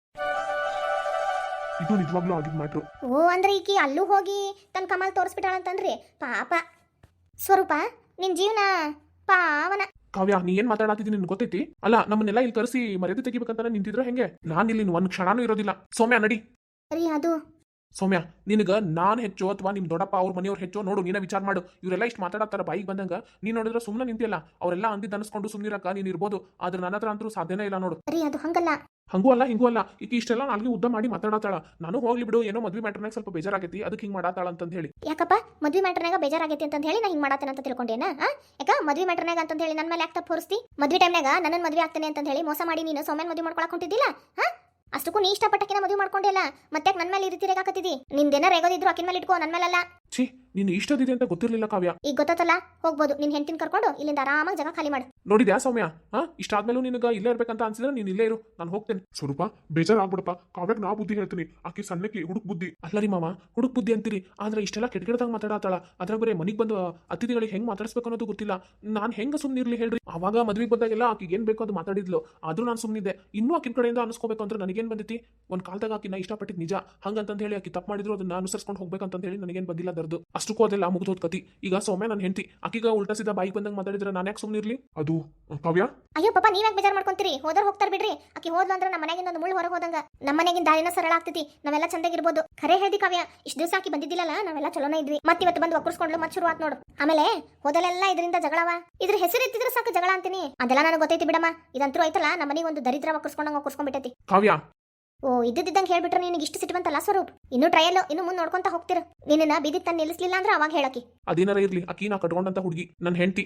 S1: ಇದು ನಿಜವಾಗ್ಲೂ ಆಗಿದ್ ಮ್ಯಾಟ್ರು.
S3: ಓ, ಅಂದ್ರೆ ಈಕಿ ಅಲ್ಲೂ ಹೋಗಿ ತನ್ನ ಕಮಾಲ್ ತೋರಿಸ್ಬಿಟ್ಟಾಳಂತಂದ್ರಿ. ಪಾಪ ಸ್ವರೂಪ, ನಿನ್ ಜೀವನ ಪಾವನ.
S2: ಕಾವ್ಯ, ನೀ ಏನ್ ಮಾತಾಡತ್ತಿದ್ದೀನಿ ನಿನ್ ಗೊತ್ತೈತಿ? ಅಲ್ಲ, ನಮ್ಮನ್ನೆಲ್ಲ ಇಲ್ಲಿ ಕರೆಸಿ ಮರ್ಯಾದೆ ತೆಗಿಬೇಕಂತ ನಿಂತಿದ್ರೆ ಹೆಂಗೆ? ನಾನು ಇಲ್ಲಿ ಒಂದ್ ಕ್ಷಣನೂ ಇರೋದಿಲ್ಲ. ಸೌಮ್ಯ, ನಡಿ.
S3: ರೀ, ಅದು
S2: ಸೌಮ್ಯ, ನಿನಗ ನಾನ್ ಹೆಚ್ಚು ಅಥವಾ ನಿಮ್ ದೊಡ್ಡಪ್ಪ ಅವ್ರ ಮನೆಯವ್ರು ಹೆಚ್ಚು ನೋಡು, ನೀನ ವಿಚಾರ ಮಾಡು. ಇವರೆಲ್ಲ ಇಷ್ಟು ಮಾತಾಡತ್ತಾರ ಬಾಯಿಗೆ ಬಂದಂಗ, ನೀನ್ ನೋಡಿದ್ರೆ ಸುಮ್ಮನೆ ನಿಂತಿಲ್ಲ. ಅವರೆಲ್ಲ ಅಂದಿದ್ದು ಅನ್ಸ್ಕೊಂಡು ಸುಮ್ಮನಿರಕ ನೀನ್ ಇರ್ಬೋದು, ಆದ್ರೆ ನನ್ನ ಹತ್ರ ಅಂತೂ ಸಾಧ್ಯನೇ ಇಲ್ಲ ನೋಡು.
S3: ರೀ, ಅದು ಹಂಗಲ್ಲ.
S2: ಹಂಗೂ ಅಲ್ಲ ಹಿಂಗೂ ಅಲ್ಲ. ಈಗ ಇಷ್ಟೆಲ್ಲ ನಾಲ್ಗೆ ಉದ್ದ ಮಾಡಿ ಮಾತಾಡತ್ತಾಳ. ನಾನು ಹೋಗ್ಲಿ ಬಿಡು, ಏನೋ ಮದ್ವೆ ಮ್ಯಾಟರ್ನಾಗ ಸ್ವಲ್ಪ ಬೇಜಾರಾಗೈತಿ, ಅದಕ್ಕೆ ಹಿಂಗ್ ಮಾಡಾತಾಳ ಅಂತ ಹೇಳಿ.
S3: ಯಾಕಪ್ಪ ಮದ್ವೆ ಮ್ಯಾಟರ್ನಾಗ ಬೇಜಾರಾಗೈತಿ ಅಂತ ಹೇಳಿ ನಾ ಹಿಂಗ್ ಮಾಡತ್ತೇನೆ ಅಂತ ತಿಳ್ಕೊಂಡೇನ? ಯಾಕ ಮದ್ವೆ ಮ್ಯಾಟರ್ನಾಗ ಅಂತ ಹೇಳಿ ನನ್ನ ಮೇಲೆ ಯಾಕೆ ತಪ್ಪು ಹೊರಿಸ್ತಿ? ಮದ್ವೆ ಟೈಮ್ನಾಗ ನನ್ನ ಮದ್ವೆ ಆಗ್ತೇನೆ ಅಂತ ಹೇಳಿ ಮೋಸ ಮಾಡಿ ನೀನು ಸೌಮ್ಯನ್ ಮದ್ವೆ ಮಾಡ್ಕೊಳಕ್ ಹೊಂಟಿದ್ದಿಲ್ಲ? ಅಷ್ಟಕ್ಕೂ ನೀ ಇಷ್ಟಪಟ್ಟಕಿನ ಮದುವೆ ಮಾಡ್ಕೊಂಡಿಲ್ಲ, ಮತ್ತೆ ನನ್ನ ಮೇಲೆ ಈ ರೀತಿ ರೇಗಾಕತ್ತಿದಿ. ನಿಂದೇನ ರೇಗೋದಿದ್ರು ಆಕಿನ ಮೇಲೆ ಇಟ್ಕೋ, ನನ್ನ ಮೇಲಲ್ಲ.
S2: ಛೀ, ನೀನು ಇಷ್ಟದಿದೆ ಅಂತ ಗೊತ್ತಿರ್ಲಿಲ್ಲ ಕಾವ್ಯ.
S3: ಈಗ ಗೊತ್ತಲ್ಲ, ಹೋಗ್ಬೋದು. ನಿನ್ ಹೆಂಡತಿನ ಕರ್ಕೊಂಡು ಇಲ್ಲಿಂದ ಆರಾಮಾಗಿ ಜಾಗ ಖಾಲಿ ಮಾಡು.
S2: ನೋಡಿದ್ಯಾ ಸೌಮ್ಯ? ಇಷ್ಟಾದ್ಮೇಲೂ ನಿನಗ ಇಲ್ಲೇ ಇರ್ಬೇಕಂತ ಅನ್ಸಿದ್ರೆ ನೀನ್ ಇಲ್ಲೇ ಇರು, ನಾನು ಹೋಗ್ತೇನೆ.
S1: ಸ್ವರೂಪ, ಬೇಜಾರಾಗ್ಬಿಡಪ್ಪ. ಕಾವ್ಯಕ್ ನಾ ಬುದ್ಧಿ ಹೇಳ್ತೀನಿ, ಆಕಿ ಸಣ್ಣಕ್ಕೆ ಹುಡುಕ್ ಬುದ್ಧಿ.
S2: ಅಲ್ಲ ರೀ ಮಾವ, ಹುಡುಕ್ ಬುದ್ಧಿ ಅಂತೀರಿ, ಆದ್ರೆ ಇಷ್ಟೆಲ್ಲ ಕೆಟ್ಟದಾಗ ಮಾತಾಡತ್ತಾಳ. ಅದ್ರಾಗ ಬರೀ ಮನಿಗ್ ಬಂದು ಅತಿಥಿಗಳಿಗೆ ಹೆಂಗ್ ಮಾತಾಡಿಸ್ಬೇಕು ಅನ್ನೋದು ಗೊತ್ತಿಲ್ಲ. ನಾನು ಹೆಂಗ ಸುಮ್ಮನಿರ್ಲಿ ಹೇಳ್ರಿ? ಅವಾಗ ಮದ್ವೆಗೆ ಬಂದಾಗೆಲ್ಲ ಆಕಿಗೆ ಏನ್ ಬೇಕೋ ಅದು ಮಾತಾಡಿದ್ಲು, ಆದ್ರೂ ನಾನು ಸುಮ್ಮನಿದ್ದೆ. ಇನ್ನೂ ಆಕಿನ ಕಡೆಯಿಂದ ಅನ್ಸ್ಕೋಬೇಕು ಅಂದ್ರೆ ನನಗೇನ್ ಬಂದಿತಿ? ಒಂದ್ ಕಾಲದಾಗ ಆಕಿನ ಇಷ್ಟಪಟ್ಟಿದ್ ನಿಜ, ಹಂಗಂತ ಹೇಳಿ ಆಕಿ ತಪ್ಪು ಮಾಡಿದ್ರು ಅದನ್ನ ಅನುಸರಿಸ್ಕೊಂಡು ಹೋಗ್ಬೇಕಂತ ಹೇಳಿ ನನಗೇನ್ ಬಂದಿಲ್ಲ ದರ್ದು. ಅಷ್ಟಕ್ಕೂ ಅದೆಲ್ಲ ಮುಗಿದೋದ್ ಕತಿ. ಈಗ ಸೌಮ್ಯ ನನ್ನ ಹೆಂಡತಿ, ಆಕಿಗ ಉಲ್ಟಾ ಸೀದಾ ಬಾಯಿಗೆ ಬಂದಂಗ ಮಾತಾಡಿದ್ರೆ ನಾನು ಯಾಕೆ ಸುಮ್ಮನಿರ್ಲಿ?
S1: ಅದು ಕಾವ್ಯ,
S3: ಅಯ್ಯೋ ಪಾಪ, ನೀವ್ಯಾಕೆ ಬೇಜಾರ್ ಮಾಡ್ಕೊಂತೀರಿ? ಹೋದರ್ ಹೋಗ್ತಾರ ಬಿಡ್ರಿ. ಆಕಿ ಹೋದ್ಲು ಅಂದ್ರೆ ನಮ್ಮ ಮನೆಗಿಂದ ಒಂದು ಮುಳ್ಳು ಹೊರಗೆ ಹೋದಂಗ. ನಮ್ಮ ಮನೆಗಿಂದ ದಾರಿನ ಸರಳ ಆಗ್ತೈತಿ, ನಾವೆಲ್ಲ ಚಂದಾಗಿರ್ಬೋದು. ಖರೆ ಹೇಳ್ದಿ ಕಾವ್ಯ, ಇಷ್ಟು ದಿವಸ ಆಕಿ ಬಂದಿದ್ದಿಲ್ಲಲ್ಲ, ನಾವೆಲ್ಲ ಚಲೋನ ಇದ್ವಿ. ಮತ್ತೆ ಇವತ್ತು ಬಂದು ಒಕ್ಕರ್ಸ್ಕೊಂಡ್ಲು, ಮತ್ತೆ ಶುರು ಆತ್ ನೋಡು. ಆಮೇಲೆ ಹೋದಲೆಲ್ಲ ಇದರಿಂದ ಜಗಳವ. ಇದ್ರ ಹೆಸರು ಎತ್ತಿದ್ರೆ ಸಾಕು ಜಗಳ ಅಂತೀನಿ. ಅದೆಲ್ಲ ನನಗೆ ಗೊತ್ತೈತಿ ಬಿಡಮ್ಮ. ಇದಂತೂ ಆಯ್ತಲ್ಲ, ನಮ್ಮ ಮನೆಗೆ ಒಂದು ದರಿದ್ರ ಒಕ್ಕರ್ಸ್ಕೊಂಡಂಗ ಒಕ್ಕರ್ಸ್ಕೊಂಡ್ಬಿಟ್ಟೈತಿ.
S2: ಕಾವ್ಯ,
S3: ಓ, ಇದ್ದಿದ್ದಂಗೆ ಹೇಳ್ಬಿಟ್ರೆ ನಿನಗೆ ಇಷ್ಟು ಸಿಟ್ಟು ಬಂತಲ್ಲ ಸ್ವರೂಪ್? ಇನ್ನು ಟ್ರಯಲ್, ಇನ್ನು ಮುಂದೆ ನೋಡ್ಕೊಂತ ಹೋಗ್ತಿರ. ನಿನ್ನ ಬೀದಿ ತಂದು ನಿಲ್ಲಿಸ್ಲಿಲ್ಲ ಅಂದ್ರೆ ಅವಾಗ ಹೇಳಕಿ.
S2: ಅದೇನಾರ ಇರ್ಲಿ, ಆಕಿ ನಾ ಕಟ್ಕೊಂಡಂತ ಹುಡುಗಿ, ನನ್ನ ಹೆಂಡತಿ.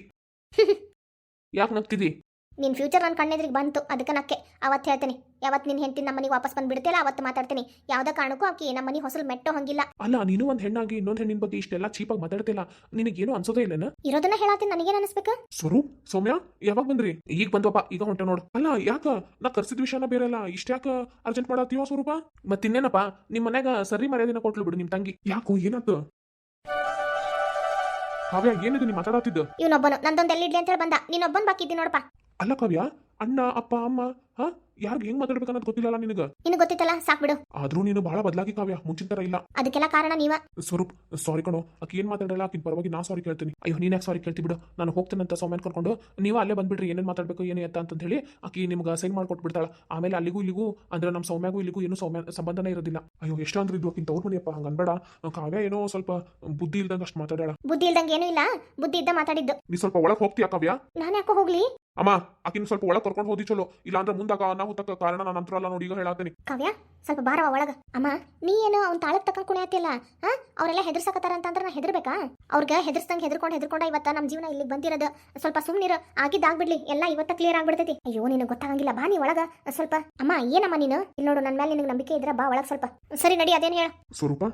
S2: ಯಾಕೆ ನಗ್ತಿದಿ?
S3: ನಿನ್ ಫ್ಯೂಚರ್ ನನ್ನ ಕಣ್ಣೆದ್ರಿಗೆ ಬಂತು, ಅದಕ್ಕೆ ನಕ್ಕೆ. ಅವತ್ತು ಹೇಳ್ತೀನಿ, ಯಾವತ್ತು ನಿನ್ನ ಹೆಂಡತಿ ನಮ್ಮ ಮನೆಗೆ ವಾಪಸ್ ಬಂದ್ಬಿಡ್ತಿಲ್ಲ ಅವತ್ತು ಮಾತಾಡ್ತೀನಿ. ಯಾವ್ದೇ ಕಾರಣಕ್ಕೂ ಆಕಿ ನಮ್ಮ ಮನೆ ಹೊಸಲು ಮೆಟ್ಟೋ ಹಂಗಿಲ್ಲ.
S2: ಅಲ್ಲ, ನೀನು ಒಂದ್ ಹೆಣ್ಣಾಗಿ ಇನ್ನೊಂದ್ ಹೆಣ್ಣಿನ ಬಗ್ಗೆ ಇಷ್ಟೆಲ್ಲ ಚೀಪಾಗಿ ಮಾತಾಡ್ತಿಲ್ಲ, ನಿನಗೇನು ಅನ್ಸೋದೇ ಇಲ್ಲನ?
S3: ಇರೋದನ್ನ ಹೇಳತ್ತೀನಿ, ನನಗೇನು ಅನಿಸ್ಬೇಕು?
S2: ಸ್ವರೂಪ್, ಸೌಮ್ಯ ಯಾವಾಗ ಬಂದ್ರಿ? ಈಗ ಬಂದ್ವಪ್ಪ, ಈಗ ಹೊಂಟೆ ನೋಡು. ಅಲ್ಲ, ಯಾಕ ನಾ ಕರ್ಸಿದ ವಿಷಯನ ಬೇರೆ ಅಲ್ಲ, ಇಷ್ಟ್ಯಾಕ ಅರ್ಜೆಂಟ್ ಮಾಡತ್ತೀವ ಸ್ವರೂಪ? ಮತ್ತಿನ್ನೇನಪ್ಪ, ನಿಮ್ ಮನ್ಯಾಗ ಸರಿ ಮರ್ಯಾದಿನ ಕೊಟ್ಲು ಬಿಡು ನಿಮ್ ತಂಗಿ.
S1: ಯಾಕೋ ಏನಾಯ್ತು? ಕಾವ್ಯ, ಏನಿದು ನೀ ಮಾತಾಡತ್ತಿದ್ದ?
S3: ಇವನೊಬ್ಬನು ನಂದೊಂದು ಎಲ್ಲಿಡ್ಲಿ ಅಂತ ಹೇಳಿ ಬಂದ, ನೀನೊಬ್ಬನ್ ಬಾಕಿ ಇದ್ದೀನಿ ನೋಡಪ್ಪ.
S2: ಅಲ್ಲ ಕಾವ್ಯ, ಅಣ್ಣ ಅಪ್ಪ ಅಮ್ಮ ಯಾರಿಗೆ ಹೆಂಗ್ ಮಾತಾಡ್ಬೇಕು ಅನ್ನೋದು ಗೊತ್ತಿಲ್ಲಲ್ಲ ನಿನಗ.
S3: ನಿನಗೆ ಗೊತ್ತಿತ್ತಲ್ಲ ಸಾಕ್ ಬಿಡು.
S2: ಆದ್ರೂ ನೀನು ಬಹಳ ಬದಲಾಗಿ ಕಾವ್ಯ, ಮುಂಚಿನ ತರ ಇಲ್ಲ.
S3: ಅದಕ್ಕೆಲ್ಲ ಕಾರಣ ನೀವ.
S2: ಸ್ವರೂಪ್ ಸಾರಿ ಕಣೋ, ಆಕಿ ಏನ್ ಮಾತಾಡಲ್ಲ, ಆಕಿನ ಪರವಾಗಿ ನಾ ಸಾರಿ ಕೇಳ್ತೀನಿ. ಅಯ್ಯೋ ನೀನ್ ಯಾಕೆ ಸಾರಿ ಕೇಳ್ತಿ ಬಿಡು, ನಾನು ಹೋಗ್ತೇನಂತ ಸೌಮ್ಯನ್ ಕರ್ಕೊಂಡು ನೀವು ಅಲ್ಲೇ ಬಂದ್ಬಿಡ್ರಿ, ಏನೇನ್ ಮಾತಾಡ್ಬೇಕು ಏನು ಎತ್ತ ಅಂತ ಹೇಳಿ ಆಕಿ ನಿಮ್ಗೆ ಸೈನ್ ಮಾಡ್ಕೊಟ್ಬಿಡ್ತಾಳ. ಆಮೇಲೆ ಅಲ್ಲಿಗೂ ಇಲ್ಲಿಗೂ ಅಂದ್ರೆ ನಮ್ಮ ಸೌಮ್ಯಾಗೂ ಇಲ್ಲಿಗೂ ಏನು ಸಂಬಂಧನೇ ಇರೋದಿಲ್ಲ. ಅಯ್ಯೋ ಎಷ್ಟು ಅಂದ್ರೆ ಇದು ಆಕಿನ ತವ್ರ ಮನೆಯಪ್ಪ, ಹಂಗ ಅನ್ಬೇಡ. ಕಾವ್ಯ ಏನೋ ಸ್ವಲ್ಪ ಬುದ್ಧಿ ಇಲ್ದಂಗ ಅಷ್ಟು ಮಾತಾಡಾಳ.
S3: ಬುದ್ಧಿ ಇಲ್ದಂಗೆ ಏನೂ ಇಲ್ಲ, ಬುದ್ಧಿ ಇದ್ದ ಮಾತಾಡಿದ್ದು.
S2: ನೀ ಸ್ವಲ್ಪ ಒಳಗೆ ಹೋಗ್ತೀಯಾ ಕಾವ್ಯ?
S3: ನಾನು ಯಾಕೋ ಹೋಗ್ಲಿ?
S2: ಅಮ್ಮ ಆಕಿನ ಸ್ವಲ್ಪ ಒಳಗೆ ಕರ್ಕೊಂಡು ಹೋದಿ ಚಲೋ, ಇಲ್ಲಾಂದ್ರೆ ಮುಂದಾಗ ಅನಾಹುತಕ್ಕ ಕಾರಣ ನಾನು ನಂತರ ಅಲ್ಲ ನೋಡಿ, ಈಗ ಹೇಳಾತೀನಿ.
S3: ಕಾವ್ಯ ಸ್ವಲ್ಪ ಬಾರವ ಒಳಗ. ಅಮ್ಮ ನೀ ಏನು ಅವ್ನ ತಾಳಕ್ ತಕ್ಕ ಕುಣಿಯತ್ತಿಲ್ಲ? ಅವರೆಲ್ಲ ಹೆದರ್ಸಕತ್ತಾರ ಅಂತಂದ್ರೆ ನಾ ಹೆದರ್ಬೇಕಾ? ಅವ್ರಿಗೆ ಹೆದರ್ಸ್ಕೊಂಡ ಇವತ್ತ ನಮ್ಮ ಜೀವನ ಇಲ್ಲಿಗೆ ಬಂದಿರೋದು. ಸ್ವಲ್ಪ ಸುಮ್ನಿರು, ಆಗಿದ್ದಾಗ್ಬಿಡ್ಲಿ, ಎಲ್ಲ ಇವತ್ತ ಕ್ಲಿಯರ್ ಆಗ್ಬಿಡ್ತೈತಿ. ಅಯ್ಯೋ ನಿನಗೆ ಗೊತ್ತಾಗಂಗಿಲ್ಲ, ಬಾ ನೀ ಒಳಗ ಸ್ವಲ್ಪ. ಅಮ್ಮ ಏನಮ್ಮ ನೀನು ಇಲ್ಲಿ ನೋಡು, ನನ್ನ ಮೇಲೆ ನಿನಗೆ ನಂಬಿಕೆ ಇದ್ರೆ ಬಾ ಒಳಗೆ ಸ್ವಲ್ಪ. ಸರಿ ನಡಿ, ಅದೇನು ಹೇಳ.
S2: ಸ್ವರೂಪ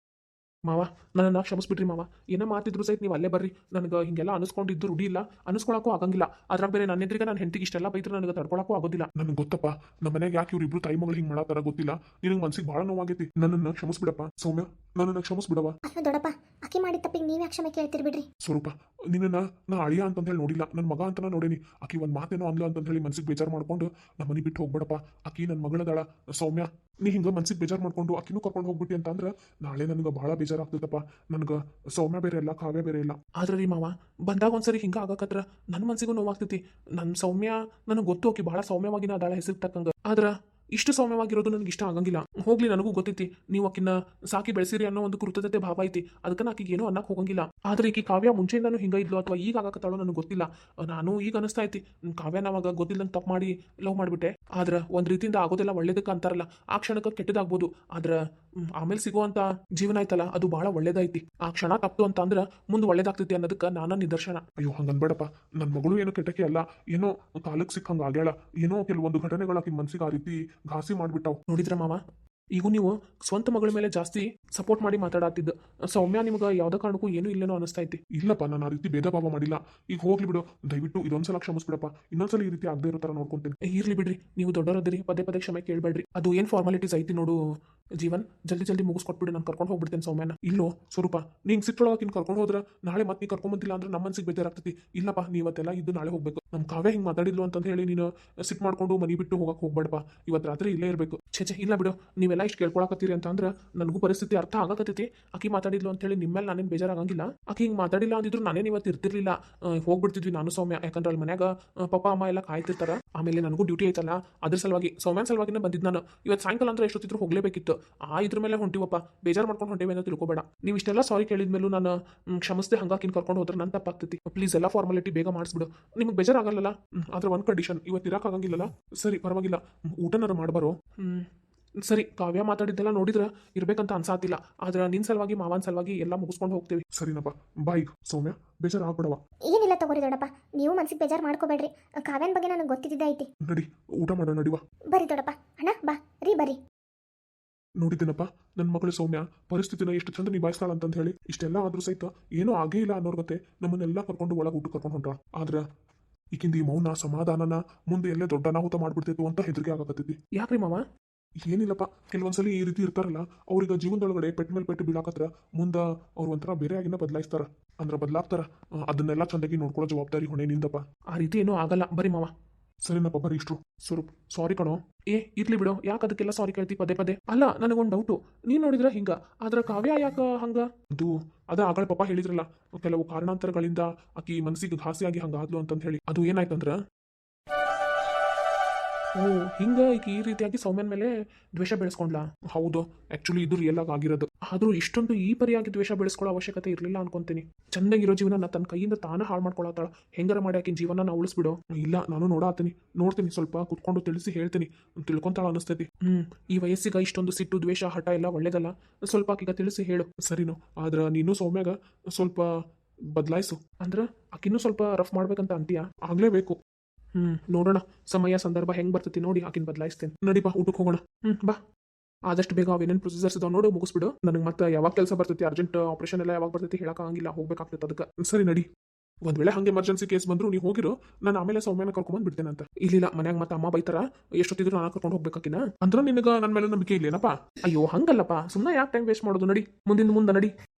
S2: ಮಾವ ನನ್ನನ್ನು ಕ್ಷಮಿಸ್ಬಿಟ್ರಿ ಮಾವ, ಏನೋ ಮಾತಿದ್ರು ಸಹಿತ ನೀವು ಅಲ್ಲೇ ಬರ್ರಿ. ನನಗೆ ಹಿಂಗೆಲ್ಲ ಅನಿಸ್ಕೊಂಡಿದ್ದು ರೂಢಿ ಇಲ್ಲ, ಅನಿಸ್ಕೊಳಕ್ಕೂ ಆಗಂಗಿಲ್ಲ. ಅದ್ರಾಗ ಬೇರೆ ನನ್ನ ಎದುರಿಗೆ ನನ್ನ ಹೆಂಡತಿಗೆ ಇಷ್ಟೆಲ್ಲ ಬೈದ್ರೆ ನನಗೆ ತಡ್ಕೊಳಕ್ಕೂ ಆಗೋದಿಲ್ಲ.
S1: ನನಗೆ ಗೊತ್ತಪ್ಪ, ನಮ್ಮ ಮನೆಗೆ ಯಾಕೆ ಇವ್ರಿಬ್ರು ತಾಯಿ ಮಗಳು ಹಿಂಗೆ ಮಾಡತ್ತಾರ ಗೊತ್ತಿಲ್ಲ. ನಿನಗೆ ಮನ್ಸಿಗೆ ಭಾಳ ನೋವಾಗೈತಿ. ನನ್ನನ್ನು ಕ್ಷಮಿಸ್ಬಿಡಪ್ಪ ಸೌಮ್ಯ, ನನ್ನನ್ನು ಕ್ಷಮಿಸ್ಬಿಡವ.
S3: ಅಯ್ಯೋ ದೊಡ್ಡಪ್ಪ, ಆಕಿ ಮಾಡಿದ ತಪ್ಪಿಗೆ ನೀವೇ ಕ್ಷಮೆ ಕೇಳ್ತೀರಿ ಬಿಡ್ರಿ.
S1: ಸ್ವರೂಪ ನಿನ್ನ ನಾ ಅಳಿಯ ಅಂತ ಹೇಳಿ ನೋಡಿಲ್ಲ, ನನ್ನ ಮಗ ಅಂತ ನೋಡೇನಿ. ಆಕಿ ಒಂದು ಮಾತೇನೋ ಅಂದ್ಲು ಅಂತ ಹೇಳಿ ಮನ್ಸಿಗೆ ಬೇಜಾರು ಮಾಡ್ಕೊಂಡು ನಮ್ಮ ಮನೆ ಬಿಟ್ಟು ಹೋಗ್ಬೇಡಪ್ಪ. ಆಕಿ ನನ್ನ ಮಗಳದಾಳ ಸೌಮ್ಯ, ನೀ ಹಿಂಗೆ ಮನ್ಸಿಗೆ ಬೇಜಾರು ಮಾಡ್ಕೊಂಡು ಆಕಿನೂ ಕರ್ಕೊಂಡು ಹೋಗ್ಬಿಟ್ಟಿ ಅಂತ ಅಂದ್ರೆ ನಾಳೆ ನನಗೆ ಭಾಳ ಬೇಜಾರಾಗ್ತದಪ್ಪ. ನನಗೆ ಸೌಮ್ಯ ಬೇರೆ ಇಲ್ಲ, ಕಾವ್ಯ ಬೇರೆ ಇಲ್ಲ.
S2: ಆದ್ರೆ ರೀ ಮಾವ, ಬಂದಾಗ ಒಂದ್ಸರಿ ಹಿಂಗೆ ಆಗಕತ್ರ ನನ್ನ ಮನ್ಸಿಗೂ ನೋವಾಗ್ತೈತಿ. ನನ್ನ ಸೌಮ್ಯ ನನಗೆ ಗೊತ್ತು, ಆಕಿ ಭಾಳ ಸೌಮ್ಯವಾಗಿನ ಅದಾಳ ಹೆಸರು ತಕ್ಕಂಗ. ಆದ್ರೆ ಇಷ್ಟು ಸೌಮ್ಯವಾಗಿರೋದು ನನಗೆ ಇಷ್ಟ ಆಗಂಗಿಲ್ಲ. ಹೋಗ್ಲಿ, ನನಗೂ ಗೊತ್ತೈತಿ ನೀವು ಆಕಿನ ಸಾಕಿ ಬೆಳೆಸಿರಿ ಅನ್ನೋ ಒಂದು ಕೃತಜ್ಞತೆ ಭಾವ ಐತಿ, ಅದಕ್ಕೆ ಆಕಿಗೆ ಏನೋ ಅನ್ನಕ್ಕೆ ಹೋಗಂಗಿಲ್ಲ. ಆದ್ರೆ ಈಕಿ ಕಾವ್ಯ ಮುಂಚೆಯಿಂದಾನು ಹಿಂಗ ಇದ್ಲು ಅಥವಾ ಈಗ ಆಗಕತ್ತಾಳೋ ನನಗೆ ಗೊತ್ತಿಲ್ಲ. ನಾನು ಈಗ ಅನಿಸ್ತಾ ಐತಿ ಕಾವ್ಯ ನಾವಾಗ ಗೊತ್ತಿಲ್ಲಂಗೆ ತಪ್ಪು ಮಾಡಿ ಲವ್ ಮಾಡಿಬಿಟ್ಟೆ. ಆದ್ರೆ ಒಂದು ರೀತಿಯಿಂದ ಆಗೋದೆಲ್ಲ ಒಳ್ಳೇದಕ್ಕೆ ಅಂತಾರಲ್ಲ, ಆ ಕ್ಷಣಕ್ಕೆ ಕೆಟ್ಟದಾಗ್ಬೋದು, ಆದ್ರೆ ಆಮೇಲೆ ಸಿಗುವಂತ ಜೀವನ ಐತಲ್ಲ ಅದು ಬಹಳ ಒಳ್ಳೇದೈತಿ. ಆ ಕ್ಷಣ ತಪ್ಪು ಅಂತ ಅಂದ್ರೆ ಮುಂದೆ ಒಳ್ಳೇದಾಗ್ತೈತಿ ಅನ್ನೋದಕ್ಕೆ ನಾನು ನಿದರ್ಶನ.
S1: ಅಯ್ಯೋ ಹಂಗನ್ಬೇಡಪ್ಪ, ನನ್ನ ಮಗಳು ಏನೋ ಕೆಟ್ಟಕ್ಕೆ ಅಲ್ಲ, ಏನೋ ಕಾಲಕ್ಕೆ ಸಿಕ್ಕಂಗೆ ಆಗ್ಯಾಳ. ಏನೋ ಕೆಲವೊಂದು ಘಟನೆಗಳು ಆಕಿ ಮನ್ಸಿಗೆ ಆ ರೀತಿ ಘಾಸಿ ಮಾಡ್ಬಿಟ್ಟಾವ್.
S2: ನೋಡಿದ್ರ ಮಾವ, ಈಗ ನೀವು ಸ್ವಂತ ಮಗಳ ಮೇಲೆ ಜಾಸ್ತಿ ಸಪೋರ್ಟ್ ಮಾಡಿ ಮಾತಾಡತ್ತಿದ್ದ. ಸೌಮ್ಯ ನಿಮ್ಗೆ ಯಾವ್ದೇ ಕಾರಣಕ್ಕೂ ಏನೂ ಇಲ್ಲೇನೋ ಅನಿಸ್ತಾ ಐತಿ.
S1: ಇಲ್ಲಪ್ಪ, ನಾನು ಆ ರೀತಿ ಭೇದ ಭಾವ ಮಾಡಿಲ್ಲ. ಈಗ ಹೋಗ್ಲಿ ಬಿಡು, ದಯವಿಟ್ಟು ಇದೊಂದ್ಸಲ ಕ್ಷಮಿಸ್ಬಿಡಪ್ಪ. ಇನ್ನೊಂದ್ಸಲ ಈ ರೀತಿ ಆಗದೆ ಇರೋ ಥರ ನೋಡ್ಕೊಂತೀನಿ.
S2: ಇರ್ಲಿ ಬಿಡ್ರಿ, ನೀವು ದೊಡ್ಡವರದಿರಿ, ಪದೇ ಪದೇ ಕ್ಷಮೆ ಕೇಳಬೇಡ್ರಿ. ಅದು ಏನು ಫಾರ್ಮಾಲಿಟೀಸ್ ಐತಿ ನೋಡು ಜೀವನ್, ಜಲ್ದಿ ಮುಗಿಸ್ಕೊಟ್ಬಿಡು, ನಾನು ಕರ್ಕೊಂಡು ಹೋಗ್ಬಿಡ್ತೇನೆ ಸೌಮ್ಯನ. ಇಲ್ಲೋ ಸ್ವರೂಪ, ನೀನು ಸಿಟ್ಟೊಳಗೆ ಕರ್ಕೊಂಡು ಹೋದ್ರೆ ನಾಳೆ ಮತ್ತೆ ನೀ ಕರ್ಕೊಂಬಂದಿಲ್ಲ ಅಂದ್ರೆ ನಮ್ಮ ಮನ್ಸಿಗೆ ಬೇಜಾರಾಗ್ತೈತಿ. ಇಲ್ಲಪ್ಪ, ನೀವತ್ತೆಲ್ಲ ಇದ್ದು ನಾಳೆ ಹೋಗ್ಬೇಕು. ನಮ್ಮ ಕಾವ್ಯ ಹಿಂಗೆ ಮಾತಾಡಿದ್ಲು ಅಂತ ಹೇಳಿ ನೀನು ಸಿಟ್ಟು ಮಾಡ್ಕೊಂಡು ಮನೆ ಬಿಟ್ಟು ಹೋಗಕ್ಕೆ ಹೋಗ್ಬೇಡಪ್ಪ. ಇವತ್ತು ರಾತ್ರಿ ಇಲ್ಲೇ ಇರಬೇಕು. ಛೇ ಇಲ್ಲ ಬಿಡು, ನೀವೆಲ್ಲ ಇಷ್ಟು ಕೇಳ್ಕೊಳಕತ್ತೀರಿ ಅಂತ ಅಂದ್ರೆ ನನಗೂ ಪರಿಸ್ಥಿತಿ ಅರ್ಥ ಆಗಕತ್ತೈತಿ. ಆಕಿ ಮಾತಾಡಿದ್ಲು ಅಂತ ಹೇಳಿ ನಿಮ್ಮೇಲೆ ನಾನೇನು ಬೇಜಾರಾಗಂಗಿಲ್ಲ. ಆಕಿ ಹಿಂಗೆ ಮಾತಾಡಿಲ್ಲ ಅಂದಿದ್ರು ನಾನೇನು ಇವತ್ತು ಇರ್ತಿರ್ಲಿಲ್ಲ, ಹೋಗ್ಬಿಡ್ತಿದ್ವಿ ನಾನು ಸೌಮ್ಯ. ಯಾಕಂದ್ರೆ ಅಲ್ಲಿ ಮನ್ಯಾಗ ಪಪ್ಪ ಅಮ್ಮ ಎಲ್ಲ ಕಾಯ್ತಿರ್ತಾರ. ಆಮೇಲೆ ನನಗೂ ಡ್ಯೂಟಿ ಐತಲ್ಲ, ಅದ್ರ ಸಲುವಾಗಿ ಸೌಮ್ಯನ ಸಲುವಾಗಿನೇ ಬಂದಿದ್ದು ನಾನು. ಇವತ್ತು ಸಾಯಂಕಾಲ ಅಂದ್ರೆ ಎಷ್ಟೊತ್ತಿದ್ರು ಹೋಗ್ಲೇಬೇಕಿತ್ತು. ಇದ್ರ ಮೇಲೆ ಹೊಂಟಿವಪ್ಪ, ಬೇಜಾರು ಮಾಡ್ಕೊಂಡು ಹೊಂಟಿವೆ ಅಂತ ತಿಳ್ಕೊಬೇಡ. ನೀವು ಇಷ್ಟೆಲ್ಲ ಸಾರಿ ಕೇಳಿದ್ಮೇಲೂ ನಾನು ಕ್ಷಮಿಸದೆ ಹಂಗಾಕಿನ ಕರ್ಕೊಂಡು ಹೋದ್ರೆ ನನ್ನ ತಪ್ಪಾಗ್ತೈತಿ. ಪ್ಲೀಸ್ ಎಲ್ಲ ಫಾರ್ಮಾಲಿಟಿ ಬೇಗ ಮಾಡಿಸ್ಬಿಡು. ನಿಮ್ಗೆ ಬೇಜಾರಾಗಲ್ಲ? ಆದ್ರೆ ಒಂದು ಕಂಡೀಷನ್, ಇವತ್ತು ಇರೋಕ್ಕಾಗಂಗಿಲ್ಲಲ್ಲ? ಸರಿ ಪರವಾಗಿಲ್ಲ, ಊಟನಾರು ಮಾಡ್ಬಾರೋ? ಸರಿ, ಕಾವ್ಯ ಮಾತಾಡಿದ್ದೆಲ್ಲ ನೋಡಿದ್ರೆ ಇರ್ಬೇಕಂತ ಅನ್ಸಾತಿಲ್ಲ. ಆದ್ರೆ ನಿನ್ನ ಸಲುವಾಗಿ ಮಾವನ ಸಲುವಾಗಿ ಎಲ್ಲ ಮುಗಿಸ್ಕೊಂಡು ಹೋಗ್ತೀವಿ.
S1: ಸರಿನಪ್ಪ, ಬಾಯ್ ಸೌಮ್ಯ, ಬೇಜಾರು ಆಗ್ಬಿಡವ.
S3: ಏನಿಲ್ಲ ತಗೋರಿ ದೊಡ್ಡಪ್ಪ, ನೀವು ಮನ್ಸಿಗೆ ಬೇಜಾರು ಮಾಡ್ಕೋಬೇಡ್ರಿ. ಕಾವ್ಯನ ಬಗ್ಗೆ ನನಗೆ ಗೊತ್ತಿದ್ದ ಐತಿ.
S1: ನಡಿ ಊಟ ಮಾಡೋ, ನಡಿವಾ.
S3: ಬರ್ರಿ ದೊಡ್ಡಪ್ಪ, ಅಣ್ಣ ಬಾ ರೀ ಬರ್ರಿ.
S1: ನೋಡಿದ್ದೀನಪ್ಪ ನನ್ನ ಮಗಳು ಸೌಮ್ಯ ಪರಿಸ್ಥಿತಿನ ಎಷ್ಟು ಚಂದ ನಿಭಾಯಿಸ್ತಾಳ ಅಂತ ಹೇಳಿ. ಇಷ್ಟೆಲ್ಲ ಆದ್ರೂ ಸಹಿತ ಏನೂ ಆಗೇ ಇಲ್ಲ ಅನ್ನೋರ್ ಗತೆ ನಮ್ಮನ್ನೆಲ್ಲ ಕರ್ಕೊಂಡು ಒಳಗೆ ಊಟ ಕರ್ಕೊಂಡು ಹೊಂಟ್ರ. ಆದ್ರೆ ಈಕಿಂದ ಈ ಮೌನ ಸಮಾಧಾನನ ಮುಂದೆ ಎಲ್ಲೇ ದೊಡ್ಡ ಅನಾಹುತ ಮಾಡ್ಬಿಡ್ತೈತು ಅಂತ ಹೆದರಿಕೆ ಆಗಕತ್ತೈತಿ.
S2: ಯಾಕ್ರಿ ಮಾವ?
S1: ಏನಿಲ್ಲಪ್ಪ, ಕೆಲವೊಂದ್ಸಲಿ ಈ ರೀತಿ ಇರ್ತಾರಲ್ಲ, ಅವ್ರಿಗೆ ಜೀವನದೊಳಗಡೆ ಪೆಟ್ ಮೇಲೆ ಪೆಟ್ಟು ಬೀಳಾಕತ್ರ ಮುಂದೆ ಅವ್ರು ಒಂಥರ ಬೇರೆ ಆಗಿನ ಬದಲಾಯಿಸ್ತಾರ, ಅಂದ್ರೆ ಬದಲಾಗ್ತಾರ. ಅದನ್ನೆಲ್ಲ ಚಂದಾಗಿ ನೋಡ್ಕೊಳ್ಳೋ ಜವಾಬ್ದಾರಿ ಹೊಣೆ ನಿಂದಪ್ಪ.
S2: ಆ ರೀತಿ ಏನೂ ಆಗಲ್ಲ, ಬರೀ ಮಾವ.
S1: ಸರಿನಪ್ಪ, ಬರೀ ಇಷ್ಟು. ಸ್ವರೂಪ್ ಸಾರಿ ಕಣೋ.
S2: ಇರ್ಲಿ ಬಿಡು, ಯಾಕೆ ಅದಕ್ಕೆಲ್ಲ ಸಾರಿ ಕೇಳ್ತಿ ಪದೇ ಪದೇ? ಅಲ್ಲ, ನನಗೊಂದು ಡೌಟು, ನೀನು ನೋಡಿದ್ರೆ ಹಿಂಗ, ಆದ್ರೆ ಕಾವ್ಯ ಯಾಕ ಹಂಗ? ಅದ ಆಗಳ ಪಾಪ ಹೇಳಿದ್ರಲ್ಲ, ಕೆಲವು ಕಾರಣಾಂತರಗಳಿಂದ ಆಕಿ ಮನಸ್ಸಿಗೆ ಘಾಸಿಯಾಗಿ ಹಂಗಾದ್ಲು ಅಂತಂದು ಹೇಳಿ. ಅದು ಏನಾಯ್ತಂದ್ರ, ಓ ಹಿಂಗ ಈಗ ಈ ರೀತಿಯಾಗಿ ಸೌಮ್ಯನ ಮೇಲೆ ದ್ವೇಷ ಬೆಳೆಸ್ಕೊಂಡ್ಲಾ? ಹೌದು, ಆಕ್ಚುಲಿ ಇದು ರಿಯಲ್ ಆಗಿ ಆಗಿರೋದು. ಆದ್ರೂ ಇಷ್ಟೊಂದು ಈ ಪರಿಯಾಗಿ ದ್ವೇಷ ಬೆಳೆಸ್ಕೊಳ್ಳೋ ಅವಶ್ಯಕತೆ ಇರಲಿಲ್ಲ ಅನ್ಕೊಂತೀನಿ. ಚೆನ್ನಾಗಿರೋ ಜೀವನ ತನ್ನ ಕೈಯಿಂದ ತಾನೇ ಹಾಳು ಮಾಡ್ಕೊಳತ್ತಾಳ. ಹೆಂಗಾರ ಮಾಡಿ ಆಕಿನ ಜೀವನ ನಾ ಉಳಿಸ್ಬಿಡು. ಇಲ್ಲ, ನಾನು ನೋಡ್ತೀನಿ, ಸ್ವಲ್ಪ ಕುತ್ಕೊಂಡು ತಿಳಿಸಿ ಹೇಳ್ತೀನಿ, ತಿಳ್ಕೊಂತಾಳ ಅನಿಸ್ತೈತಿ. ಈ ವಯಸ್ಸಿಗೆ ಇಷ್ಟೊಂದು ಸಿಟ್ಟು, ದ್ವೇಷ, ಹಠ ಎಲ್ಲ ಒಳ್ಳೇದಲ್ಲ. ಸ್ವಲ್ಪ ಆಕಿಗ ತಿಳಿಸಿ ಹೇಳು. ಸರಿನೋ? ಆದ್ರೆ ನೀನು ಸೌಮ್ಯಾಗ ಸ್ವಲ್ಪ ಬದಲಾಯಿಸು. ಅಂದ್ರೆ ಆಕಿನ್ನೂ ಸ್ವಲ್ಪ ರಫ್ ಮಾಡ್ಬೇಕಂತ ಅಂತೀಯಾ? ಆಗ್ಲೇಬೇಕು. ನೋಡೋಣ, ಸಮಯ ಸಂದರ್ಭ ಹೆಂಗ್ ಬರ್ತೈತಿ ನೋಡಿ ಆಕಿನ ಬದಲಾಯಿಸ್ತೇನೆ. ನಡಿಪಾ, ಊಟಕ್ಕೆ ಹೋಗೋಣ. ಬಾ, ಆದಷ್ಟು ಬೇಗ ಅವೇನೇನು ಪ್ರೊಸೀಜರ್ಸ್ ಇದಾವೆ ನೋಡು, ಮುಗಿಸ್ಬಿಡು. ನನಗೆ ಮತ್ತೆ ಯಾವಾಗ ಕೆಲಸ ಬರ್ತೈತಿ, ಅರ್ಜೆಂಟ್ ಆಪರೇಷನ್ ಎಲ್ಲ ಯಾವಾಗ ಬರ್ತೈತಿ ಹೇಳಕ್ಕಾಗಂಗಿಲ್ಲ, ಹೋಗ್ಬೇಕಾಗ್ತೈತೆ ಅದಕ್ಕೆ. ಸರಿ ನಡಿ. ಒಂದ್ ವೇಳೆ ಹಂಗೆ ಎಮರ್ಜೆನ್ಸಿ ಕೇಸ್ ಬಂದ್ರು ನೀವು ಹೋಗಿರೋ, ನಾನು ಆಮೇಲೆ ಸೌಮ್ಯನ ಕರ್ಕೊಂಡ್ ಬಿಡ್ತೇನೆ ಅಂತ. ಇಲ್ಲ, ಮನ್ಯಾಗ ಮತ್ತೆ ಅಮ್ಮ ಬೈತಾರ, ಎಷ್ಟೊತ್ತಿದ್ರು ನಾನು ಕರ್ಕೊಂಡು ಹೋಗ್ಬೇಕಾಕಿನ. ಅಂದ್ರೆ ನಿನಗೆ ನನ್ನ ಮೇಲೆ ನಂಬಿಕೆ ಇಲ್ಲೇನಪ್ಪ? ಅಯ್ಯೋ ಹಂಗಲ್ಲಪ್ಪ, ಸುಮ್ಮನೆ ಯಾಕೆ ಟೈಮ್ ವೇಸ್ಟ್ ಮಾಡೋದು? ನಡಿ, ಮುಂದೆ ನಡಿ.